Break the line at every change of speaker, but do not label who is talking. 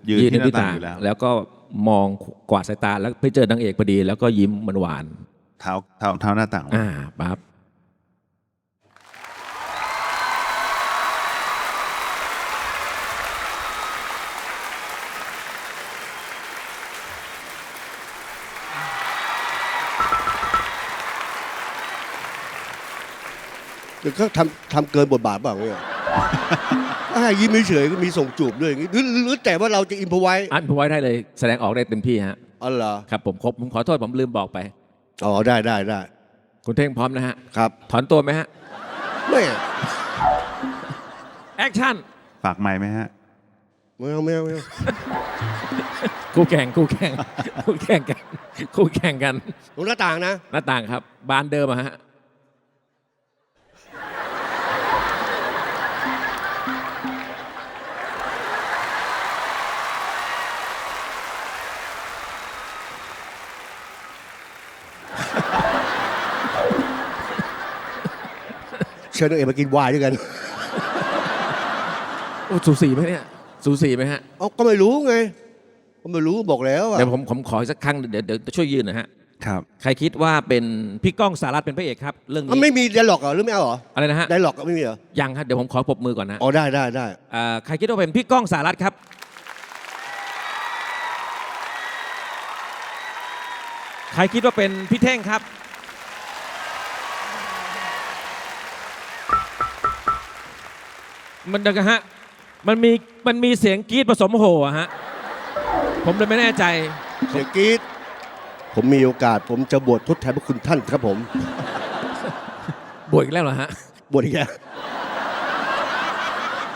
ยืนที่หน้าต่างอยู่แล้ว
แล้วก็มองกวาดสายตาแล้วไปเจอนางเอกพอดีแล้วก็ยิ้มมันหวาน
เท้าหน้าต่าง
ปั๊บ
แต่ก็ทำเกินบทบาทบ้างเนี่ยยิ้มเฉยๆก็มีส่งจูบด้วยอย่างนี้หรือแต่ว่าเราจะอินพอไว้
ได้เลยแสดงออกได้เต็มที่ฮะ
อ๋อเหรอ
ครับผมขอโทษผมลืมบอกไป
อ๋อได้
คุณเท่งพร้อมนะฮะ
ครับ
ถอนตัวไหมฮะ
ไม่
แอคชั่น
ฝากไมค์ไหมฮะ
ไม่เอา
คู่แข่งกันต
รงหน้าต่างนะ
หน้าต่างครับบานเดิมฮะ
เชิญนางเอกมากินไวน์ด้วยกัน
โอ้สูสีไหมเนี่ยสูสีไหมฮะ
ก็ไม่รู้ไงก็ไม่รู้บอกแล้ว
เดี๋ยวผมขอสักครั้งเดี๋ยวช่วยยืนนะฮะ
ครับ
ใครคิดว่าเป็นพี่ก้องสารัตน์เป็นพระเอกครับเรื่องนี้
ไม่มีไดร็อกเหรอหรือไม่เอาเหรอ
อะไรนะฮะ
ไดร็อกไม่มีเหรอ
ยังครับเดี๋ยวผมขอปรบมือก่อนนะ
อ๋อได้
ใครคิดว่าเป็นพี่ก้องสารัตน์ครับใครคิดว่าเป็นพี่เท่งครับมันเด็กฮะมันมีเสียงกรี๊ดผสมโห่ฮะผมเลยไม่แน่ใจ
เสียงกรี๊ดผมมีโอกาสผมจะบวชทดแทนพระคุณท่านครับผม
บวชอีกแล้วเหรอฮะ
บวชอีกแล้ว